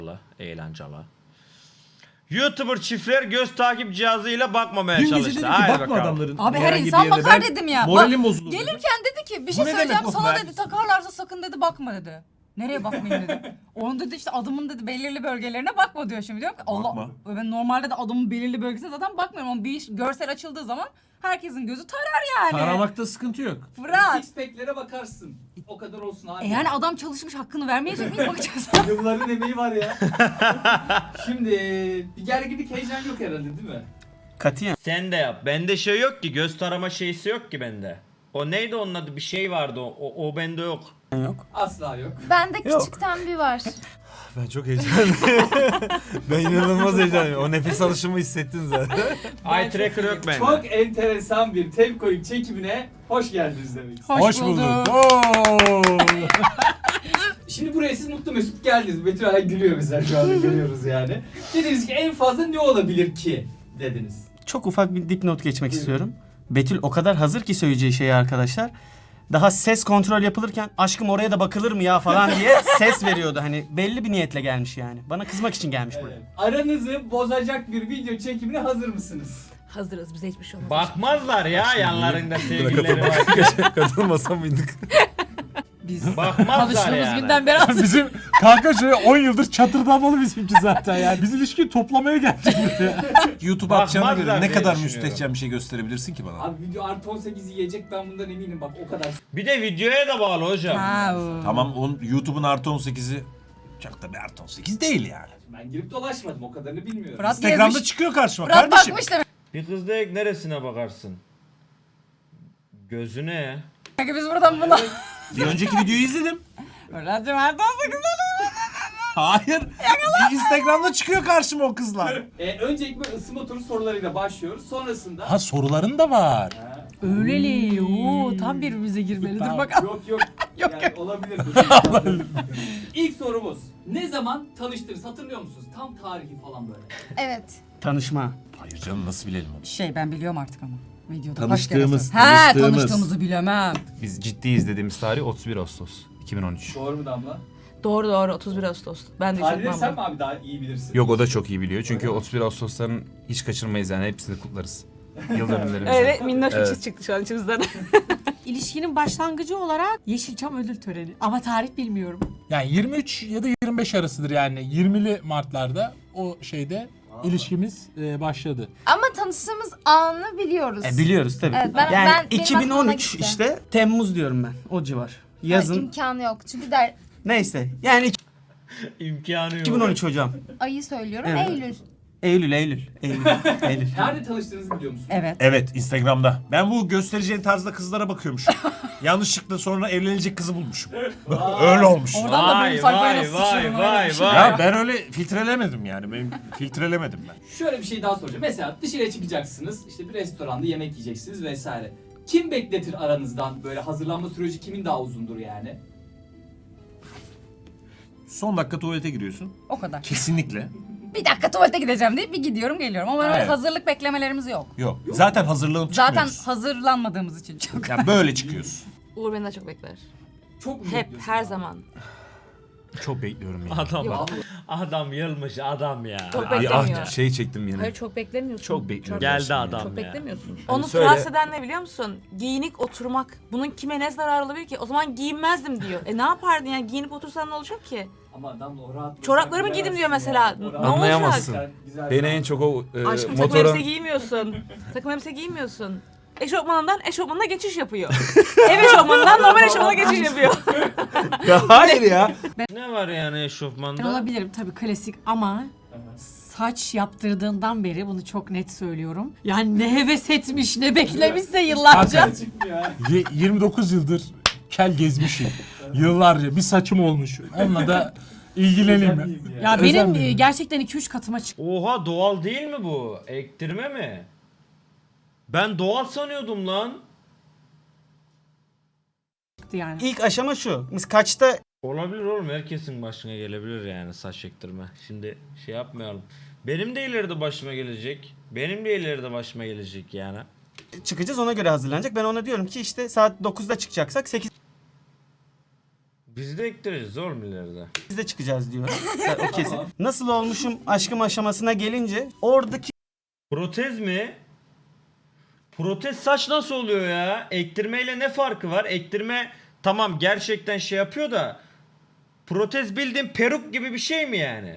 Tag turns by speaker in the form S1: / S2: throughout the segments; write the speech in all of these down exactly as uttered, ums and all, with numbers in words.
S1: eğlenceli. YouTuber çiftler göz takip cihazıyla bakmamaya
S2: Dün gece
S1: çalıştı.
S2: dedim ki
S1: Haydi
S2: bakma
S1: bakalım.
S2: adamların.
S3: Abi her
S2: herhangi bir
S3: insan
S2: yerine.
S3: bakar
S2: Ben
S3: dedim ya.
S2: Moralim
S3: Bak,
S2: bozuldu.
S3: gelirken dedi ki bir
S2: Bu
S3: şey
S2: ne
S3: söyleyeceğim
S2: demek o
S3: sana
S2: be?
S3: dedi, takarlarsa sakın dedi bakma dedi. Nereye bakmayayım dedi. Onun dedi işte adımın dedi belirli bölgelerine bakma diyor şimdi. Diyorum ki Allah,
S2: Bakma.
S3: ben normalde de adımın belirli bölgesine zaten bakmıyorum ama bir iş, görsel açıldığı zaman herkesin gözü tarar yani.
S2: Taramakta sıkıntı yok.
S3: Fırat.
S4: Six pack'lere bakarsın. O kadar olsun abi.
S3: E yani adam çalışmış, hakkını vermeyecek miyiz, bakacağız.
S4: Yılların emeği var ya. Şimdi bir gerginlik, heyecan yok herhalde değil mi?
S5: Katiyen.
S1: Sen de yap. Bende şey yok ki. Göz tarama şeysi yok ki bende. O neydi onun adı? Bir şey vardı o. O, o bende yok.
S5: Yok.
S4: Asla yok.
S6: Bende
S5: Yok.
S6: küçükten bir var.
S7: Ben çok heyecanlıyım. Ben inanılmaz heyecanlıyım. O nefes alışımı hissettin zaten.
S1: Eye tracker yok bende.
S4: Çok enteresan bir Tepko'nun çekimine hoş geldiniz demek istiyorum.
S3: Hoş, bulduk.
S7: Oo!
S4: Şimdi buraya siz mutlu mesut geldiniz. Betül hala gülüyor bizler şu anda görüyoruz yani. Dediniz ki en fazla ne olabilir ki dediniz.
S5: Çok ufak bir dipnot geçmek istiyorum. Betül o kadar hazır ki söyleyeceği şeyi arkadaşlar. Daha ses kontrol yapılırken aşkım oraya da bakılır mı ya falan diye ses veriyordu. Hani belli bir niyetle gelmiş yani. Bana kızmak için gelmiş buraya.
S4: Evet. Aranızı bozacak bir video çekimine hazır mısınız?
S8: Hazırız, bize hiçbir şey olmaz.
S1: Bakmazlar ya yanlarında sevgilileri var.
S7: Katılmasa mıydık?
S3: Biz
S1: Bakmazlar
S3: tanıştığımız
S1: yani.
S3: günden beri az.
S2: Bizim kanka şöyle on yıldır çatırdamalı bizimki zaten yani. Biz ilişkiyi toplamaya geldik buraya.
S7: YouTube atacağına
S1: Bakmazlar
S7: göre ne
S1: diye
S7: kadar
S1: düşünüyorum.
S7: müstehcen bir şey gösterebilirsin ki bana?
S4: Abi video artı on sekiz yiyecek, ben bundan eminim bak o kadar.
S1: Bir de videoya da bağlı hocam.
S3: Ha, o.
S7: Tamam, on, YouTube'un artı on sekizi çok da bir artı on sekiz değil yani.
S4: Ben girip dolaşmadım, o kadarını bilmiyorum.
S3: Fırat
S7: Instagram'da
S3: gezmiş.
S7: çıkıyor karşıma
S3: Fırat
S7: kardeşim.
S3: bakmış demek
S1: Bir kız direkt neresine bakarsın? Gözüne ya.
S3: ki biz buradan buna.
S7: Bir önceki videoyu izledim.
S3: Fırat'cığım her on sekiz
S7: Hayır. Instagram'da çıkıyor karşıma o kızlar.
S4: Ee, önce ilk böyle ısınma turu sorularıyla başlıyoruz. Sonrasında...
S2: Ha soruların da var.
S4: Ha,
S3: Öyleli. Oo, tam birbirimize girmelidir
S2: Tamam.
S3: bakalım.
S4: yok yok.
S3: Yok,
S4: yani olabilir. İlk sorumuz. Ne zaman tanıştınız, hatırlıyor musunuz? Tam tarihi falan böyle.
S6: Evet.
S5: Tanışma.
S7: Hayır canım, nasıl bilelim onu?
S3: Şey ben biliyorum artık ama. Videoda
S7: Tanıştığımız,
S3: kaç kere sor- He
S7: tanıştığımız.
S3: tanıştığımızı bilemem.
S7: Biz ciddi izlediğimiz tarih otuz bir Ağustos iki bin on üç.
S4: Doğru mu Damla?
S8: Doğru doğru, otuz bir Ağustos. Ben de çok
S4: Tarihleri sen mi
S8: memnunum.
S4: abi daha iyi bilirsin?
S7: Yok, o da çok iyi biliyor. Çünkü
S4: Öyle mi?
S7: otuz bir Ağustos'ların hiç kaçırmayız yani, hepsini kutlarız. Yıl dönümlerimizi.
S8: Öyle minnoş bir
S7: Evet.
S8: çiz çıktı şu an içimizden.
S3: İlişkinin başlangıcı olarak Yeşilçam ödül töreni. Ama tarih bilmiyorum.
S2: Yani yirmi üç ya da yirmi beş arasıdır yani. yirmili Mart'larda o şeyde ilişkimiz e, başladı.
S6: Ama tanıştığımız anı biliyoruz.
S5: E, biliyoruz tabii.
S6: Evet, ben-
S5: yani
S6: ben- benim
S5: iki bin on üç
S6: aklıma gitti.
S5: işte Temmuz diyorum ben. O civar.
S6: Yani
S5: Yazın.
S6: imkanı yok. Çünkü der
S5: Neyse. Yani
S1: İmkanı yok.
S5: iki bin on üç hocam.
S6: ayı söylüyorum.
S5: Evet.
S6: Eylül.
S5: Eylül, Eylül. Eylül. Eylül.
S4: Nerede tanıştığınızı biliyor musun?
S3: Evet.
S7: Evet, Instagram'da. Ben bu göstereceğin tarzda kızlara bakıyormuşum. Yanlışlıkla sonra evlenecek kızı bulmuşum. Öyle olmuş.
S3: Oradan da
S1: Vay
S3: böyle sayfayla
S1: vay vay
S3: sıçrıyorum, öyle
S1: vay
S3: bir şey.
S1: vay.
S7: Ya ben öyle filtrelemedim yani. Benim filtrelemedim ben.
S4: Şöyle bir şey daha soracağım. Mesela dışarıya çıkacaksınız, işte bir restoranda yemek yiyeceksiniz vesaire. Kim bekletir aranızdan, böyle hazırlanma süreci kimin daha uzundur yani?
S7: Son dakika tuvalete giriyorsun.
S3: O kadar.
S7: Kesinlikle.
S3: Bir dakika tuvalete gideceğim deyip bir gidiyorum geliyorum. Ama öyle
S7: Evet.
S3: hazırlık beklemelerimiz yok.
S7: Yok. Zaten hazırlanıp
S3: Zaten
S7: çıkmıyoruz.
S3: hazırlanmadığımız için çok.
S7: Yani böyle çıkıyoruz.
S8: Uğur beni daha çok bekler.
S4: Çok mu
S8: Hep,
S4: bekliyorsun
S8: her
S4: abi?
S8: zaman.
S7: Çok bekliyorum yani.
S1: Adam
S8: Yok.
S1: adam yılmış adam ya.
S8: Çok
S7: Ay,
S8: beklemiyor.
S7: ah, şey çektim yine.
S8: Hayır çok beklemiyorsun.
S7: Çok bekliyorum.
S1: Geldi
S7: gerçekten
S1: adam.
S7: ya.
S8: Çok
S1: ya.
S8: beklemiyorsun.
S7: Hani
S8: Onu
S7: söyle.
S8: rahatsız eden ne biliyor musun? Giyinik oturmak. Bunun kime ne zararı olabilir ki? O zaman giyinmezdim diyor. E ne yapardın yani? Giyinip otursan ne olacak ki?
S4: Ama adam o rahat.
S8: Çoraplarımı giydim diyor mesela.
S4: O rahat-
S8: Ne
S7: Anlayamazsın.
S4: Sen güzel
S7: Beni
S4: bir-
S7: en çok o e,
S8: Aşkım takım
S7: motora...
S8: elbise giymiyorsun. Takım elbise giymiyorsun. Eşofmanından eşofmanına geçiş yapıyor. Ev eşofmanından normal eşofmana geçiş yapıyor.
S7: Ya hayır ya.
S1: Ne var yani
S3: Ben
S1: eşofmanda?
S3: olabilirim tabii klasik ama saç yaptırdığından beri bunu çok net söylüyorum. Yani ne heves etmiş ne beklemişse yıllarca.
S2: Zaten
S4: Çıkmıyor ya.
S2: y- yirmi dokuz yıldır kel gezmişim. Yıllarca bir saçım olmuş. Onunla da ilgileneyim ben.
S4: Özel miyim ya?
S3: Ya
S2: Özel
S3: benim
S2: miyim?
S3: e, gerçekten iki üç katıma çıktı
S1: Oha doğal değil mi bu? Ektirme mi? Ben doğal sanıyordum lan.
S3: yani.
S5: İlk aşama şu. Biz kaçta
S1: Olabilir oğlum, herkesin başına gelebilir yani saç ektirme. Şimdi şey yapmayalım. Benim de ileride başıma gelecek. Benim de ileride başıma gelecek yani.
S5: çıkacağız ona göre hazırlanacak. Ben ona diyorum ki işte saat dokuzda çıkacaksak sekiz
S1: Biz de ektireceğiz oğlum ileride.
S5: Biz de çıkacağız diyor. O kesin. Nasıl olmuşum aşkım aşamasına gelince oradaki
S1: Protez mi? Protez saç nasıl oluyor ya? Ektirmeyle ne farkı var? Ektirme tamam gerçekten şey yapıyor da protez bildiğin peruk gibi bir şey mi yani?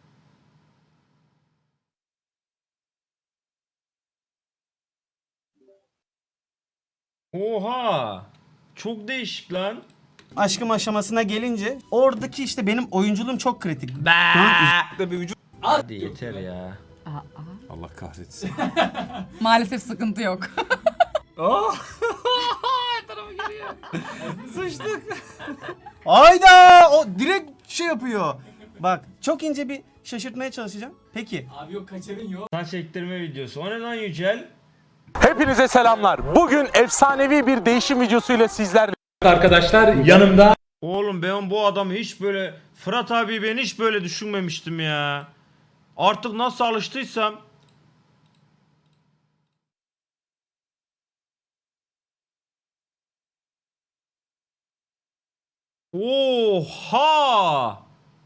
S1: Oha! Çok değişik lan.
S5: aşkım aşamasına gelince oradaki işte benim oyunculuğum çok kritik.
S7: Bir vücut.
S1: Hadi yeter ya.
S7: Allah kahretsin.
S3: Maalesef sıkıntı yok.
S5: Hayda! O direkt şey yapıyor. Bak çok ince bir şaşırtmaya çalışacağım. Peki.
S4: Abi yok kaçarın yok.
S1: Saç ektirme videosu. O ne lan Yücel?
S9: Hepinize selamlar. Bugün efsanevi bir değişim videosuyla sizlerle.
S4: Arkadaşlar yanımda
S1: Oğlum ben bu adamı hiç böyle Fırat abi ben hiç böyle düşünmemiştim ya. Artık nasıl alıştıysam. Oha!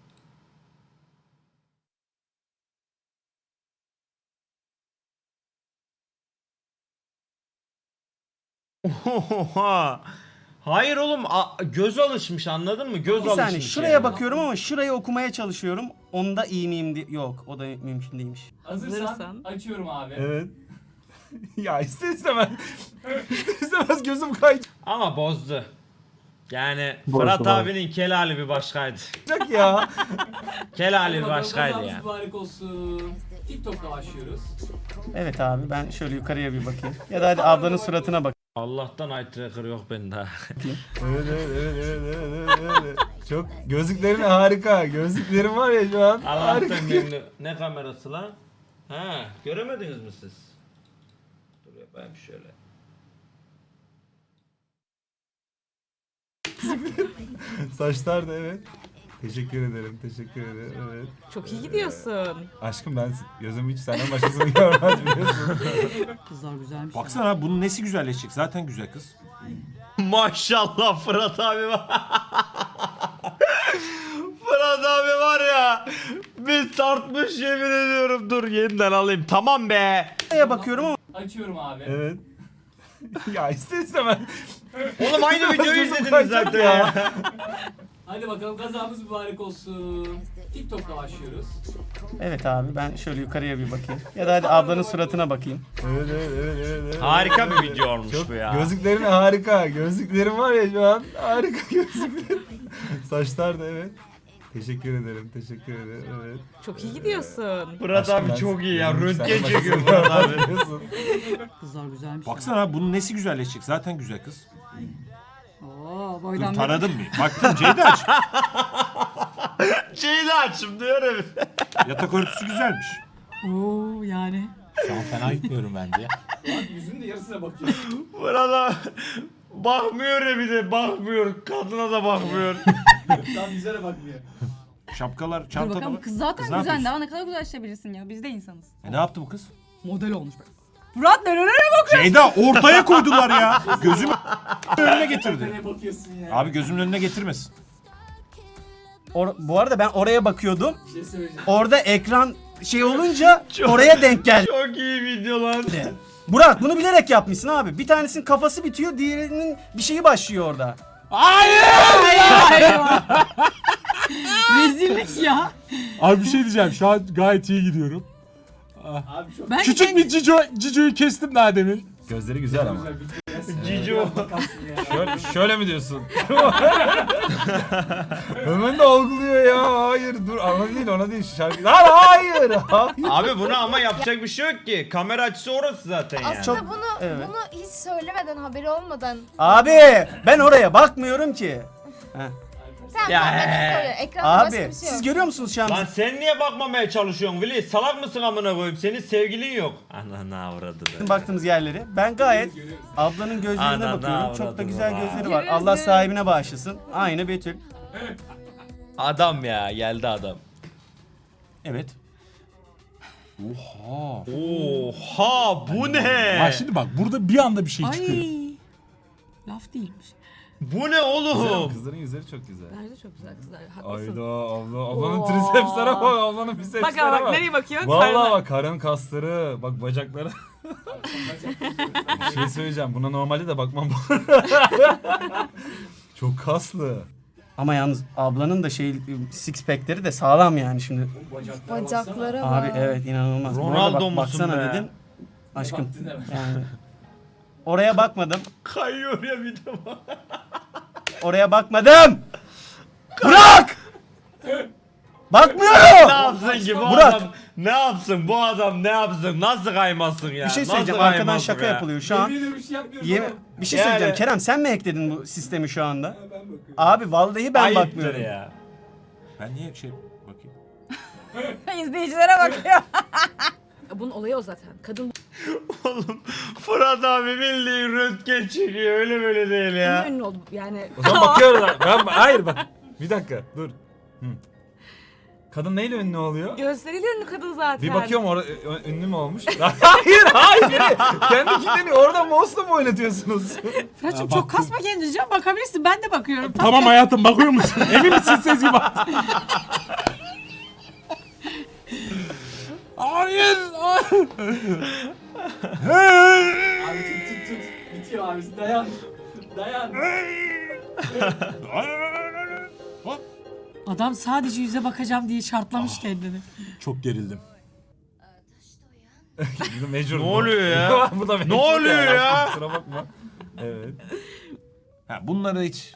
S1: Oha! Hayır oğlum a- göz alışmış anladın mı? Göz
S5: Bir
S1: alışmış.
S5: saniye şuraya
S1: yani.
S5: bakıyorum ama şurayı okumaya çalışıyorum. Onda iyi miyim diye. Yok o da mümkün değilmiş.
S4: hazırsan
S8: Hazırsan.
S4: açıyorum abi.
S7: Evet. Ya ister istemez. ister istemez gözüm kayacak
S1: Ama bozdu. Yani Fırat abinin kelali bir başkaydı.
S7: ya.
S1: Kelali bir
S4: Bakalım,
S1: başkaydı
S4: kazamız
S1: yani.
S4: mübarek olsun. TikTok'la başlıyoruz.
S5: Evet abi ben şöyle yukarıya bir bakayım. Ya da hadi ablanın suratına bak.
S1: Allah'tan eye tracker yok bende.
S7: Evet evet evet evet evet evet. evet. Çok gözlüklerin harika. Gözlüklerin var ya şu an. Harika.
S1: Allah'tan memnun. Ne kamerası lan? Ha, göremediniz mi siz? Dur yapayım şöyle.
S7: Saçlar da evet. Teşekkür ederim, teşekkür ederim. Evet.
S8: Çok iyi gidiyorsun.
S7: Aşkım ben gözüm hiç senden başkasını görmez biliyorsun.
S3: Kızlar güzelmiş.
S7: Baksana abi bunun nesi güzelleşecek? Zaten güzel kız.
S1: Maşallah Fırat abi var. Fırat abi var ya. Bir tartmış yemin ediyorum. Dur yeniden alayım. Tamam be.
S5: Şuraya bakıyorum ama
S4: Açıyorum abi.
S7: Evet. ya ister istemez.
S1: Oğlum aynı videoyu
S7: Gözüm
S1: izlediniz
S7: kayacak
S1: zaten ya.
S4: Hadi bakalım kazamız mübarek olsun. TikTok'la başlıyoruz.
S5: evet abi ben şöyle yukarıya bir bakayım. Ya da hadi ablanın suratına bakayım.
S7: Evet evet evet evet. evet.
S1: Harika bir video olmuş
S7: Çok
S1: bu ya.
S7: gözlüklerin harika. Gözlüklerin var ya şu an. Harika gözlüklerin. Saçlar da evet. Teşekkür ederim, teşekkür ederim. Evet.
S8: Çok iyi gidiyorsun.
S1: Fırat
S7: Aşkım
S1: abi
S7: ben
S1: çok iyi ya.
S7: gözüm hiç
S1: Röntgen
S7: senden
S1: çekiyor
S7: başkasını
S1: Fırat abi.
S7: görmez biliyorsun.
S3: Kızlar güzelmiş.
S7: Baksana abi bunun nesi güzelleşecek? Zaten güzel kız.
S3: Oo,
S7: Dur
S3: boydan
S7: taradım mı? Baktım Ceyda aç.
S1: Şeyi de açım diyorum.
S7: Yatak örtüsü güzelmiş.
S3: Oo yani.
S2: Şu an fena gitmiyorum bence.
S4: Abi yüzünün de yarısına bakıyor.
S1: Fırat abi bakmıyor ya bir de bakmıyor. Kadına da bakmıyor.
S4: Tam yüzüne bakmıyor.
S7: Şapkalar,
S10: Dur
S7: çantalar.
S10: bakalım kız zaten
S7: Kız ne
S10: güzel.
S7: yapıyorsun?
S10: Daha ne kadar güzelleşebilirsin ya. Biz de insanız.
S7: E ne yaptı bu kız?
S3: Model olmuş be. Fırat nerelere bak.
S7: Ceyda ortaya koydular ya. Gözümü önüne getirdi.
S4: Ne bakıyorsun ya?
S7: Abi gözümün önüne getirmesin.
S5: Or- bu arada ben oraya bakıyordum.
S4: Bir şey söyleyeceğim.
S5: Orada ekran şey olunca oraya denk geldi.
S1: Çok iyi video lan.
S5: Burak bunu bilerek yapmışsın abi. Bir tanesinin kafası bitiyor, diğerinin bir şeyi başlıyor orada.
S3: Rezillik ya.
S2: Abi bir şey diyeceğim. Şu an gayet iyi gidiyorum.
S4: Abi çok
S3: Ben
S2: Küçük bir Cico, Cico'yu kestim daha demin.
S7: Gözleri güzel ama.
S4: güzel bir
S1: Cico.
S7: Şöyle, şöyle mi diyorsun? Hemen de algılıyor ya. Hayır dur ona değil ona değil şarkı. Lan hayır. Hayır.
S1: Abi buna ama yapacak bir şey yok ki. Kamera açısı orası zaten yani.
S6: Aslında bunu
S5: evet.
S6: bunu hiç söylemeden, haberi olmadan.
S5: Abi ben oraya bakmıyorum ki.
S6: Tamam
S1: Ya,
S6: tamam ben
S1: he.
S6: koyuyorum. Ekranda başka
S5: Abi
S6: bir şey
S5: siz
S6: yok.
S5: görüyor musunuz şu an?
S1: Lan sen niye bakmamaya çalışıyorsun Vili? Salak mısın amına koyayım? Senin sevgilin yok. Ananı avradı be.
S5: Bizim baktığımız yerleri. Ben gayet ablanın gözlerine
S1: Ana,
S5: bakıyorum. Çok da
S1: avradım
S5: güzel
S1: baba.
S5: gözleri var.
S10: Gözü.
S5: Allah sahibine bağışlasın. Aynı Betül.
S1: Adam ya geldi adam.
S7: Evet. Oha.
S1: Oha bu ne?
S2: Ha şimdi bak burada bir anda bir şey çıkıyor.
S3: Ay. Laf değilmiş.
S1: Bu ne
S7: Güzel,
S1: oğlum?
S7: kızların yüzleri çok güzel.
S8: Bence çok güzel kızlar. Haklısın.
S7: Ayda abla, ablanın
S8: Oo.
S7: tricepslere bak, ablanın bicepslere
S8: Bak
S7: bak.
S8: ama bak nereye bakıyor?
S7: Vallahi
S8: Karnına.
S7: bak karın kasları, bak bacakları. Bir şey söyleyeceğim, buna normalde de bakmam. Çok kaslı.
S5: Ama yalnız ablanın da şey six pack'leri de sağlam yani şimdi.
S6: Bacaklara bak.
S5: Abi evet inanılmaz. Buna da
S1: Ronaldo
S5: bak-
S1: musun
S5: baksana
S1: be?
S5: dedim. Aşkım
S4: Baktın hemen.
S5: yani. Oraya bakmadım.
S1: Kayıyor ya bir de bak.
S5: Oraya bakmadım. Bırak!
S1: Ne
S5: Bakmıyorum.
S1: yapsın ki bu
S5: Burak.
S1: adam? Ne yapsın bu adam ne yapsın? Nasıl kaymasın ya?
S5: Bir şey
S1: Nasıl
S5: söyleyeceğim. Arkadan
S1: kaymasın
S5: şaka
S1: ya?
S5: yapılıyor şu an.
S4: Yemin ederim bir şey yapmıyoruz
S5: Yeme-
S4: oğlum.
S5: bir şey
S1: Yani-
S5: söyleyeceğim. Kerem sen mi hackledin bu sistemi şu anda?
S4: Ben bakıyorum.
S5: Abi vallahi ben
S1: Ayıptır
S5: bakmıyorum.
S1: ya.
S11: Ben niye şey bakayım?
S10: İzleyicilere bakıyor.
S8: Bunun olayı o zaten. Kadın
S1: Oğlum Fırat abi bildiğin röntgen çekiyor öyle böyle değil
S8: bunun
S1: ya.
S8: ünlü oldu. Yani
S7: O zaman bakıyoruz. Ben, hayır bak. Bir dakika dur. Hı. Kadın neyle ünlü oluyor?
S8: gösteriyle ünlü kadın zaten.
S7: Bir bakıyorum orada ö- ünlü mü olmuş? hayır hayır. Kendi kendini orada mouse'la mı oynatıyorsunuz?
S3: Fırat'cığım çok kasma kendini canım, bakabilirsin, ben de bakıyorum.
S2: Tamam hayatım bakıyor musun? Emin misin Sezgi bak? Hayır. hayır.
S4: Abi tut tut tut. Bitiyor abi dayan. Dayan.
S3: Adam sadece yüze bakacağım diye şartlamış kendini.
S2: Çok gerildim.
S7: Bu da mecbur.
S1: Ne
S7: bu.
S1: oluyor ya?
S7: Bu da mecbur
S1: Ne oluyor
S7: yani.
S1: ya?
S7: Kusura bakma. Evet.
S11: Ha bunları hiç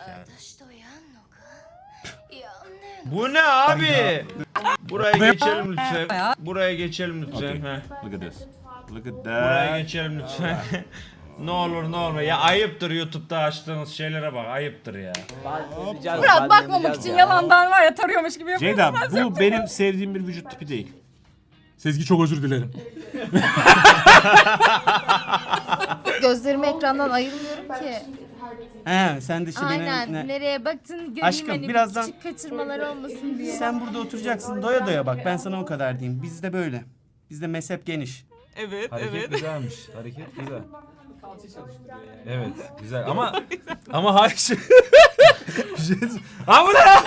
S1: Bu ne abi? Buraya geçelim lütfen. Buraya geçelim lütfen. Heh.
S11: look at this. Look at
S1: Buraya
S11: that.
S1: geçelim lütfen. Ne olur ne olur. Ya ayıptır YouTube'da açtığınız şeylere bak. Ayıptır ya.
S10: Fırat bakmamak için yalandan var ya tarıyormuş gibi yapıyor.
S11: Ceyda bu benim sevdiğim bir vücut tipi değil.
S2: Sezgi çok özür dilerim.
S6: Gözlerimi ekrandan ayırmıyorum ki.
S5: He sen de işte
S6: Aynen.
S5: beni... ne-
S6: Nereye baktın göreyim
S5: Aşkım,
S6: hani
S5: birazdan-
S6: küçük kaçırmalar olmasın diye.
S5: Sen burada oturacaksın doya doya bak ben sana o kadar diyeyim. Bizde böyle. Bizde mezhep geniş.
S8: Evet
S7: Hareket güzelmiş. Hareket güzel.
S4: Kalça çalıştırıyor yani.
S7: Evet güzel ama ama hayır. şey- Bir şey- Aa bu ne ya?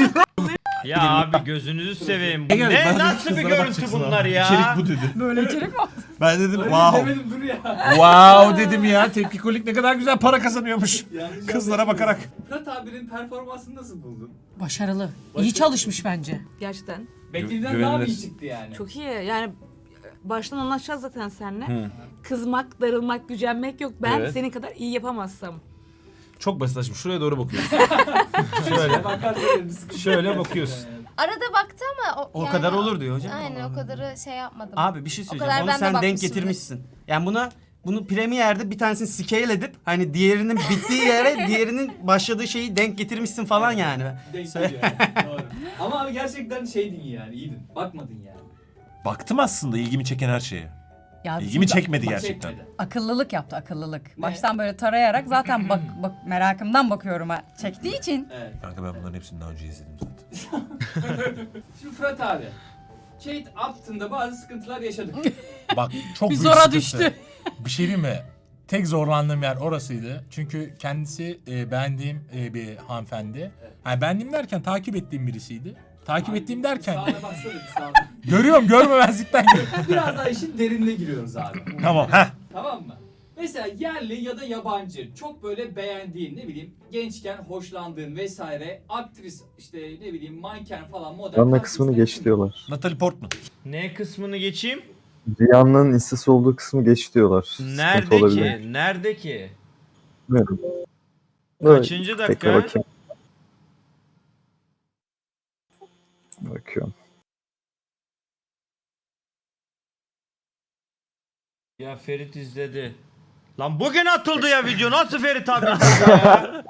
S1: Ya abi gözünüzü seveyim. Bu
S2: Gel,
S1: ne
S2: bana
S1: nasıl bir
S2: kızlara
S1: görüntü
S2: bakacaksın
S1: bunlar
S2: abi.
S1: ya?
S2: İçerik bu dedi.
S3: Böyle içerik mi?
S2: Ben dedim
S4: Öyle
S2: wow.
S4: demedim dur ya.
S2: Wow dedim ya. Tepki kolik ne kadar güzel para kazanıyormuş.
S4: Yanlış
S2: Kızlara
S4: anlaşılmasın.
S2: bakarak.
S4: Fırat abinin performansını nasıl buldun?
S3: Başarılı. İyi çalışmış bence.
S8: Gerçekten.
S4: Beklediğinden daha mı iyi
S11: güvenilir.
S4: çıktı yani?
S8: Çok iyi. Yani baştan anlaşacağız zaten seninle. Kızmak, darılmak, gücenmek yok. Ben
S11: Evet.
S8: senin kadar iyi yapamazsam.
S7: Çok basit aşkım. Şuraya doğru bakıyorsun. Şöyle.
S4: Bakar böyle bir sıkıntı.
S7: Şöyle bakıyorsun.
S6: Arada baktı ama o,
S5: O
S6: yani
S5: kadar olur diyor hocam.
S6: Aynen o kadarı şey yapmadım.
S5: Abi bir şey
S6: kadar
S5: söyleyeceğim. Onu
S6: ben de
S5: sen denk
S6: bakmışımdır.
S5: getirmişsin. Yani buna bunu Premiere'de bir tanesini scale edip hani diğerinin bittiği yere diğerinin başladığı şeyi denk getirmişsin falan yani.
S4: Denk
S5: Söyle-
S4: geliyor yani. Doğru. Ama abi gerçekten şeydin yani iyiydin. Bakmadın yani.
S11: Baktım aslında ilgimi çeken her şeye.
S10: Ya
S11: İlgimi çekmedi
S4: Bak
S11: gerçekten.
S4: çekmedi.
S10: akıllılık yaptı akıllılık. Baştan böyle tarayarak zaten bak bak merakımdan bakıyorum ha. Çektiği için.
S4: Evet.
S11: Kanka ben bunların hepsini daha önce izledim zaten.
S4: Şimdi Fırat abi. Kate Upton'da bazı sıkıntılar yaşadık.
S2: Bak çok
S3: Bir
S2: büyük
S3: zora
S2: sıkıntı.
S3: düştü.
S2: Bir şey diyeyim mi? Tek zorlandığım yer orasıydı. Çünkü kendisi e, beğendiğim e, bir hanımefendi. Yani beğendiğim derken takip ettiğim birisiydi. Takip ettiğim derken
S4: Sağına baksana bir sağına.
S2: görüyorum görmemezlikten görüyorum.
S4: Biraz daha işin derinine giriyoruz abi.
S2: Tamam heh.
S4: Tamam mı? Mesela yerli ya da yabancı çok böyle beğendiğin ne bileyim gençken hoşlandığın vesaire aktris işte ne bileyim manken falan model.
S12: Anla kısmını geç diyorlar.
S2: Natalie Portman.
S1: Ne kısmını geçeyim?
S12: Rihanna'nın instası olduğu kısmı geç diyorlar.
S1: Nerede
S12: Sıkıntı olabilir.
S1: ki? Nerede ki?
S12: Bilmiyorum.
S1: Kaçıncı
S12: Bekle
S1: dakika?
S12: bakayım. Bakıyorum.
S1: Ya Ferit izledi. Lan bugün atıldı ya video. Nasıl Ferit abi izledi ya?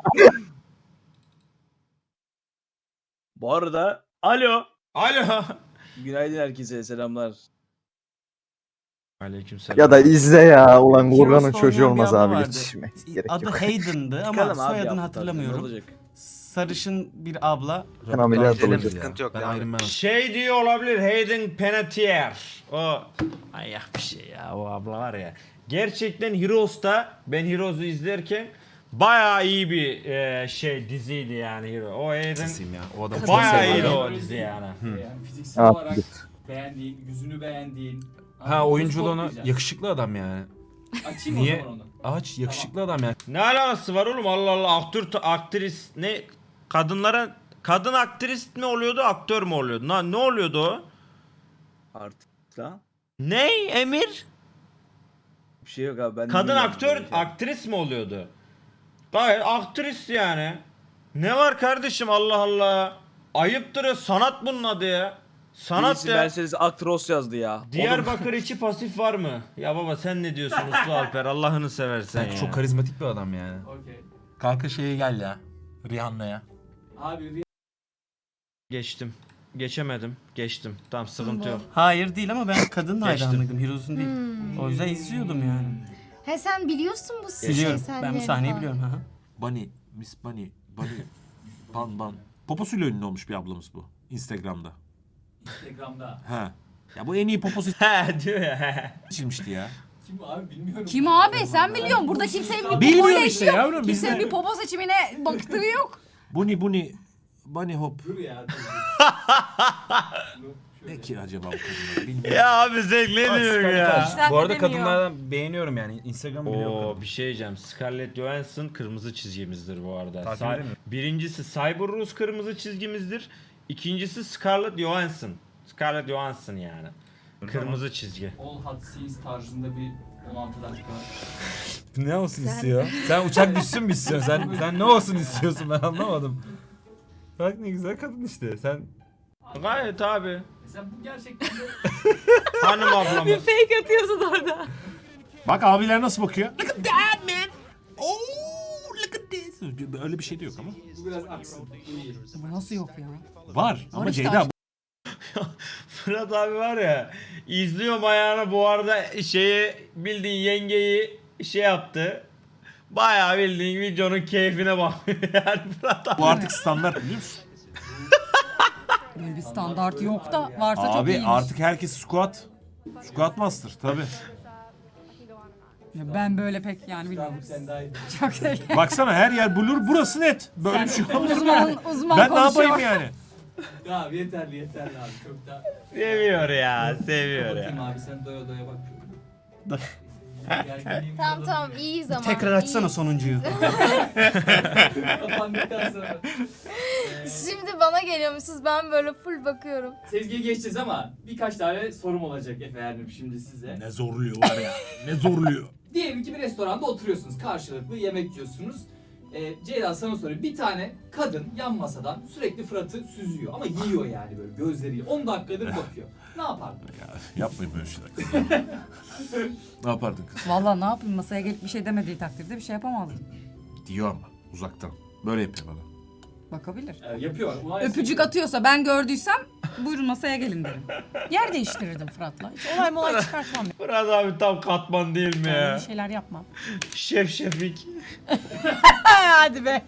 S13: Bu arada alo.
S1: Alo.
S13: Günaydın herkese selamlar.
S1: Aleykümselam.
S12: Ya da izle ya. Ulan
S5: Heroes'ta
S12: Gorgan'ın
S5: oynayan
S12: çocuğu
S5: bir
S12: olmaz
S5: abla
S12: abi.
S5: vardı.
S12: Yetişmek gerek
S5: Adı
S12: yok.
S5: Hayden'dı ama
S13: Çıkalım abi
S5: soyadını
S13: hafta, ne
S5: hatırlamıyorum.
S13: olacak?
S5: Sarışın bir abla.
S12: Ben ameliyat
S11: Gidelim,
S12: olacağım.
S11: sıkıntı yok. Ben Iron Man'ım.
S1: Şey diyor olabilir Hayden Panettiere. O manyak bir şey ya o abla var ya. Gerçekten Heroes'ta ben Heroes'u izlerken Bayağı iyi bir e, şey diziydi yani Hero. O Aaron
S11: Nasılsın ya? O adamı çok
S1: bayağı
S11: seviyorum.
S1: iyiydi o
S4: Öyle
S1: dizi
S4: değil.
S1: yani.
S4: Yani fiziksel
S12: Ha,
S4: olarak beğendiğin, yüzünü beğendiğin.
S7: Ha oyunculuğunu
S4: Spotlayacağız.
S7: yakışıklı adam yani.
S4: Açayım
S7: Niye?
S4: o zaman onu.
S7: Ağaç yakışıklı adam yani.
S1: Ne alakası var oğlum? Allah Allah, aktör aktris ne kadınlara kadın aktris mi oluyordu, aktör mü oluyordu? Ne, ne oluyordu o?
S13: Artık lan.
S1: Ne Emir?
S13: Bir şey yok abi ben de
S1: Kadın
S13: bilmiyorum
S1: aktör,
S13: böyle şey.
S1: aktris mi oluyordu? Gayet aktris yani. Ne var kardeşim, Allah Allah. Ayıptır ya, sanat bunun adı ya. Sanat
S13: Birisi
S1: ya.
S13: Mercedes Actros yazdı ya. Oğlum,
S1: Diyarbakır içi pasif var mı? Ya baba sen ne diyorsun Uslu Alper, Allah'ını seversen ya.
S7: Çok karizmatik bir adam yani.
S4: Okey.
S2: Kanka şeye gel ya. Rihanna'ya.
S4: Abi
S1: Geçtim. Geçemedim. Geçtim. Tamam, sıkıntı yok.
S5: Hayır değil ama ben kadın
S1: Geçtim.
S5: hayranıydım. Heroes'un değil.
S6: Hmm.
S5: O yüzden izliyordum yani.
S6: He sen biliyorsun bu
S5: Biliyorum.
S6: şey
S5: Ben bu sahneyi biliyorum. Ha.
S11: Bunny, Miss Bunny, Bunny, Ban Ban. Poposuyla ünlü olmuş bir ablamız bu. Instagram'da.
S4: Instagram'da.
S11: He. Ya bu en iyi poposu
S1: He diyor ya. he.
S11: seçilmişti ya.
S4: Kim abi bilmiyorum.
S3: Kim abi sen biliyorsun. Burada kimsenin bir
S11: Bilmiyorum
S3: popoyla
S11: işte
S3: işi yok.
S11: yavrum, biz
S3: Kimsenin
S11: de-
S3: bir popo seçimine baktığı yok.
S11: Bunny, Bunny, Bunny Hop.
S4: Dur ya. dur.
S11: Ne ki acaba bu kadınlar bilmiyorum.
S1: Ya abi zevkleniyorum ya.
S8: İşler
S7: Bu arada
S8: demiyor.
S7: kadınlardan beğeniyorum yani. Instagram'ı biliyorum.
S1: Oo bir şey diyeceğim. Scarlett Johansson kırmızı çizgimizdir bu arada.
S7: Takip
S1: Cy-
S7: edemiyorum.
S1: Birincisi Cyberus kırmızı çizgimizdir. İkincisi Scarlett Johansson. Scarlett Johansson yani. Kırmızı çizgi.
S4: All Hot Scenes tarzında bir on altı dakika.
S7: Ne olsun istiyor? Sen uçak düşsün mü istiyorsun? Sen sen ne olsun istiyorsun, ben anlamadım. Bak ne güzel kadın işte. Sen
S1: Gayet abi.
S4: Mesela bu gerçekten de
S1: Hanım
S8: Bir
S1: ablamız.
S8: fake atıyorsun orada.
S11: Bak abiler nasıl bakıyor? Look at that man. Oh, look at this. Öyle bir şey de yok ama.
S4: bu biraz aksın. Bu iyi.
S3: Bu nasıl yok ya?
S11: Var ama
S3: işte
S11: Ceyda
S3: aşk-
S1: Fırat abi var ya, izliyorum ayağına bu arada şeyi, bildiğin yengeyi şey yaptı. Bayağı bildiğin videonun keyfine bakıyor yani Fırat abi.
S11: bu artık standart biliyor musun?
S3: Böyle bir standart yok da varsa çok
S11: Abi
S3: iyiymiş.
S11: artık herkes squat. Squat master tabi.
S3: Ya ben böyle pek yani bilmiyorum.
S4: Tamam sen daha iyi.
S3: Çok şey.
S11: Baksana her yer blur, burası net. Böyle bir şey olmaz.
S3: Uzman, uzman
S11: Ben ne
S3: konuşuyor.
S11: yapayım yani?
S4: Tamam yeterli yeterli abi. Çok da.
S1: Seviyor ya, seviyor
S4: Bakayım
S1: ya.
S4: abi sen doya doya bak.
S6: Tamam tamam iyiyiz ama.
S5: Tekrar açsana
S6: iyiyiz.
S5: sonuncuyu.
S4: Kapandıktan sonra.
S6: Şimdi bana geliyormuşsunuz ben böyle full bakıyorum.
S4: Sezgi'ye geçeceğiz ama birkaç tane sorum olacak efendim şimdi size.
S11: Ne zorluyor var ya. Ne zorluyor.
S4: Diyelim ki bir restoranda oturuyorsunuz, karşılıklı yemek yiyorsunuz. Ee, Ceyda sana soruyor. Bir tane kadın yan masadan sürekli Fırat'ı süzüyor ama yiyor yani böyle gözleriyle. on dakikadır bakıyor. Ne yapardın?
S11: Ya yapmayın böyle şeyler. Ne yapardın kız?
S3: Vallahi ne yapayım, masaya gelip bir şey demediği takdirde bir şey yapamazdım.
S11: Diyor ama uzaktan. Böyle yapıyor bana.
S3: Bakabilir.
S4: Ee, yapıyor. Ulan
S3: Öpücük
S4: yapıyor.
S3: atıyorsa ben gördüysem buyurun masaya gelin derim. Yer değiştirirdim Fırat'la. Hiç olay molay çıkartmam.
S1: Fırat abi tam katman değil mi
S3: Yani
S1: ya?
S3: bir şeyler yapmam.
S1: Şef Şefik.
S3: Hadi be.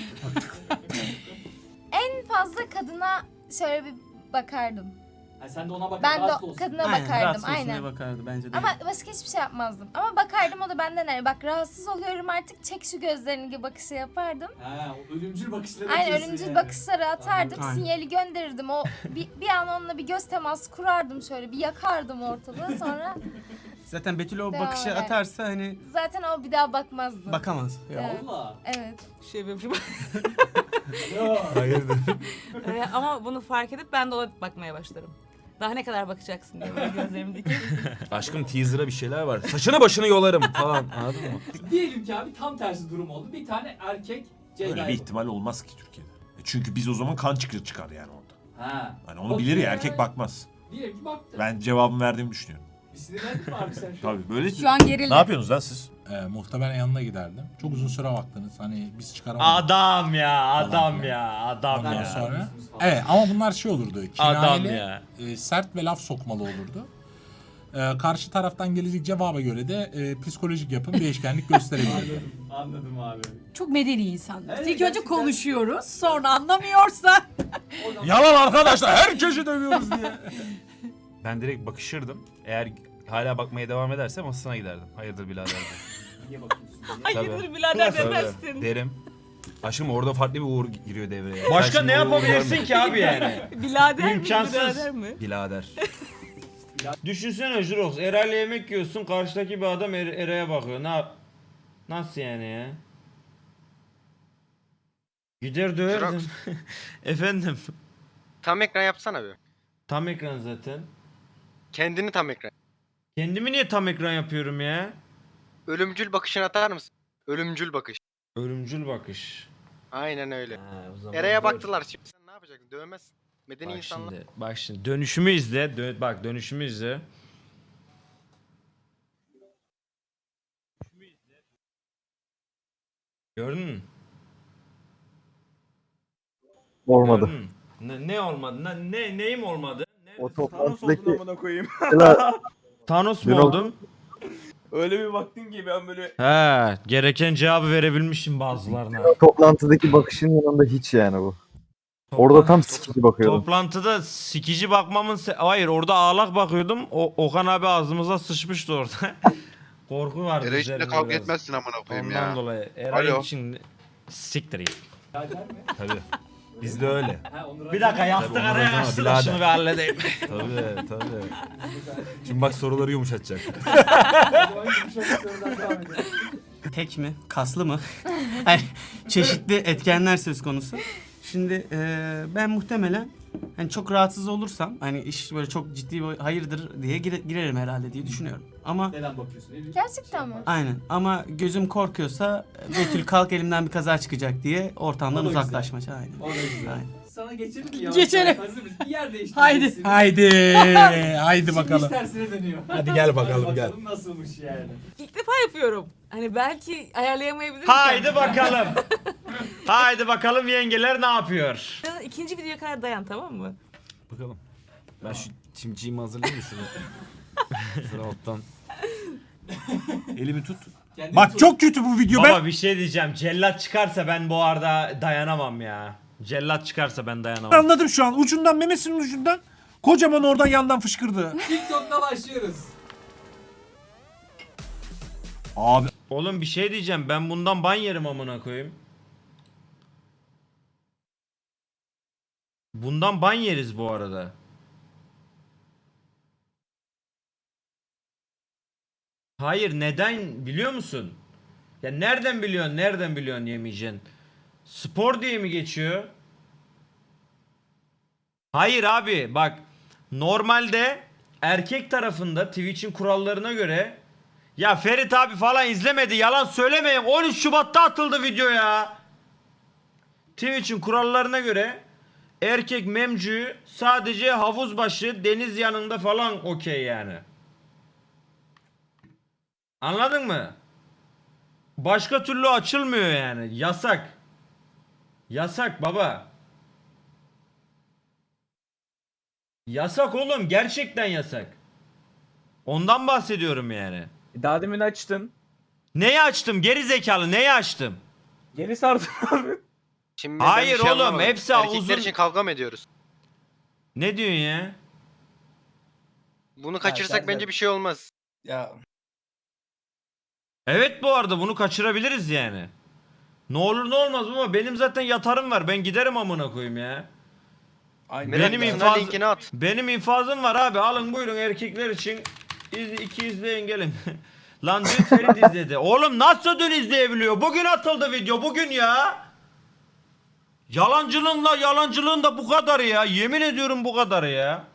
S6: En fazla kadına şöyle bir bakardım.
S4: Ha, sen de ona bak.
S6: Ben
S4: rahatsız
S6: de
S4: olsun.
S6: kadına
S5: Aynen,
S6: bakardım
S5: rahatsız olsun diye
S6: aynen.
S5: bakardı bence de.
S6: Ama başka hiçbir şey yapmazdım. Ama bakardım o da benden hani bak rahatsız oluyorum artık çek şu gözlerini gibi bakışı yapardım.
S4: Ha, o ölümcül bakışları
S6: Aynen
S4: atıyorsun
S6: ölümcül
S4: yani.
S6: bakışları atardım,
S5: Aynen.
S6: sinyali gönderirdim. O bir, bir an onunla bir göz teması kurardım şöyle, bir yakardım ortalığı sonra
S5: Zaten Betül o
S6: Devam
S5: bakışı
S6: eder.
S5: atarsa hani
S6: zaten o bir daha bakmazdı.
S5: bakamaz.
S6: Evet.
S4: Valla.
S6: Evet.
S8: Şey yapıyormuşum.
S7: hayırdır?
S8: Ee, ama bunu fark edip ben de ona bakmaya başlarım. Daha ne kadar bakacaksın diye böyle gözlerimi dikip.
S7: Aşkım teaser'a bir şeyler var. Saçını başını yolarım falan. Anladın mı?
S4: Diyelim ki abi tam tersi durum oldu. Bir tane erkek Ceyda'ya
S11: Öyle bir ihtimal olmaz ki Türkiye'de. E Çünkü biz o zaman kan çıkır çıkar yani orada.
S4: Ha.
S11: Hani onu
S4: Okey.
S11: bilir ya, erkek bakmaz.
S4: Diyelim ki baktı.
S11: Ben cevabımı verdiğimi düşünüyorum.
S4: Bir sinirlendin mi abi sen şu an?
S11: Tabii böyle.
S3: Şu an gerildim.
S11: Ne yapıyorsunuz lan siz?
S2: Ee, muhtemelen yanına giderdim. Çok uzun süre baktınız. Hani biz çıkaramadık.
S1: Adam ya, adam
S2: filan.
S1: ya, adam
S2: Ondan
S1: ya.
S2: sonra. Evet ama bunlar şey olurdu.
S1: Adam
S2: Kinayeli,
S1: ya.
S2: e, sert ve laf sokmalı olurdu. E, karşı taraftan gelecek cevaba göre de e, psikolojik yapım değişkenlik gösterebilirdi.
S4: Anladım, anladım abi.
S3: Çok medeni insanlar.
S4: Evet,
S3: İlk önce
S4: gerçekten.
S3: konuşuyoruz, sonra anlamıyorsa.
S11: Yalan arkadaşlar, herkesi dövüyoruz diye.
S7: Ben direkt bakışırdım. Eğer hala bakmaya devam ederse masasına giderdim. Hayırdır birader diye.
S4: Niye bakıyorsun diye.
S8: Hayırdır birader
S7: Tabii.
S8: demezsin.
S7: Derim. Aşkım orada farklı bir uğur giriyor devreye.
S1: Başka
S7: Sen
S1: ne
S7: şimdi o uğuru
S1: yapabilirsin
S7: görme.
S1: ki abi yani?
S8: Bilader mi?
S1: İmkansız.
S8: Birader mi?
S7: Birader.
S1: Düşünsene Jurox, Eray'la yemek yiyorsun, karşıdaki bir adam Er- Eray'a bakıyor. Ne yap? Nasıl yani ya? Gider döverdim. Efendim,
S14: Tam ekran yapsana bir.
S1: tam ekran zaten.
S14: Kendini tam ekran.
S1: Kendimi niye tam ekran yapıyorum ya?
S14: Ölümcül bakışını atar mısın? Ölümcül bakış.
S1: Ölümcül bakış.
S14: Aynen öyle.
S1: Ha, o zaman
S14: Eray'a
S1: dur.
S14: baktılar şimdi sen ne yapacaksın? Dövmezsin. Medeni
S1: Bak
S14: insanlar.
S1: şimdi, bak şimdi dönüşümü izle. Dö- bak dönüşümü izle. Gördün mü?
S12: Olmadı.
S1: Gördün mü? Ne, ne olmadı? Ne, ne neyim olmadı? Ne?
S12: O
S13: Thanos
S12: toplantıdaki
S13: oldun amına koyayım.
S12: mesela
S1: Thanos mu
S12: Jurox-
S1: oldum?
S13: Öyle bir baktın ki ben böyle
S1: He, gereken cevabı verebilmişim bazılarına.
S12: toplantıdaki bakışın yanında hiç yani bu. Orada tam sikici bakıyordum.
S1: Toplantıda sikici bakmamın se- hayır orada ağlak bakıyordum. O Okan abi ağzımıza sıçmıştı orada. Korku vardı.
S15: Eray
S1: üzerimde
S15: içinde kavga
S1: biraz.
S15: etmezsin amına koyayım
S1: Ondan
S15: ya.
S1: dolayı Eray
S15: Alo.
S1: için siktir git.
S4: Birader mi?
S7: Tabii. Bizde öyle.
S4: Ha, onu
S1: Bir dakika yastık
S7: Tabii,
S1: araya
S7: ondan sonra
S1: açtı da
S7: birader.
S1: şunu bir halledeyim.
S7: Tabii tabii. Şimdi bak soruları yumuşatacak.
S5: Tek mi? Kaslı mı? Hani çeşitli etkenler söz konusu. Şimdi eee, ben muhtemelen hani çok rahatsız olursam hani iş böyle çok ciddi bir hayırdır diye gire- girerim herhalde diye düşünüyorum. Ama
S4: Neden bakıyorsun? Ne
S6: Gerçekten mi?
S5: aynen ama gözüm korkuyorsa Betül kalk elimden bir kaza çıkacak diye ortamdan
S4: O da güzel.
S5: uzaklaşmaca aynen.
S4: O da güzel.
S5: Aynen.
S4: Sana geçelim mi ya?
S3: Geçelim.
S4: Hazır mısın? Bir yer
S3: Haydi.
S4: değiştireceksiniz.
S2: Haydi. Haydi
S4: Şimdi
S2: bakalım.
S4: iş tersine dönüyor.
S2: Hadi gel bakalım,
S4: Hadi
S2: gel.
S4: bakalım nasılmış yani.
S8: İlk defa yapıyorum. Hani belki ayarlayamayabilirim.
S1: Haydi bakalım. Haydi bakalım yengeler ne yapıyor?
S8: İkinci videoya kadar dayan tamam mı?
S7: Bakalım. Ben şu çimciğimi hazırlayayım mı şunu? Şunu alttan. Elimi tut.
S4: Kendini
S2: Bak
S4: tut.
S2: çok kötü bu video.
S1: Baba
S2: Ben
S1: bir şey diyeceğim. Cellat çıkarsa ben bu arada dayanamam ya. Cellat çıkarsa ben dayanamam.
S2: anladım şu an. Ucundan memesinin ucundan kocaman oradan yandan fışkırdı.
S4: TikTok'ta başlıyoruz.
S2: Abi
S1: Oğlum bir şey diyeceğim. Ben bundan ban yerim amına koyayım. Bundan ban yeriz bu arada. Hayır neden biliyor musun? Ya nereden biliyorsun? Nereden biliyorsun yemeyeceksin? Spor diye mi geçiyor? Hayır abi bak normalde erkek tarafında Twitch'in kurallarına göre ya Ferit abi falan izlemedi yalan söylemeyin on üç Şubat'ta atıldı video ya. Twitch'in kurallarına göre erkek memcü sadece havuz başı deniz yanında falan okey yani. Anladın mı? Başka türlü açılmıyor yani. Yasak. Yasak baba. Yasak oğlum. Gerçekten yasak. Ondan bahsediyorum yani.
S13: daha demin açtın.
S1: Neyi açtım? Geri zekalı neyi açtım?
S13: Geri sardın abi.
S14: Şimdi ben
S1: Hayır
S14: bir şey
S1: oğlum,
S14: anlamadım.
S1: hepsi
S14: Erkekler
S1: uzun-
S14: için kavga mı ediyoruz?
S1: Ne diyorsun ya?
S14: Bunu kaçırsak
S13: sen-
S14: bence bir şey olmaz.
S13: Ya
S1: Evet bu arada bunu kaçırabiliriz yani. Ne olur ne olmaz baba benim zaten yatarım var. Ben giderim amına koyayım ya.
S13: aynen.
S14: Merak
S1: Benim
S14: etsin,
S1: infaz-
S14: linkini at.
S1: Benim infazım var abi. Alın buyurun erkekler için. İz, iki izleyin gelin. Lan dün Ferit izledi. Oğlum nasıl dün izleyebiliyor? Bugün atıldı video. Bugün ya. Yalancılığınla yalancılığın da bu kadar ya. Yemin ediyorum bu kadar ya.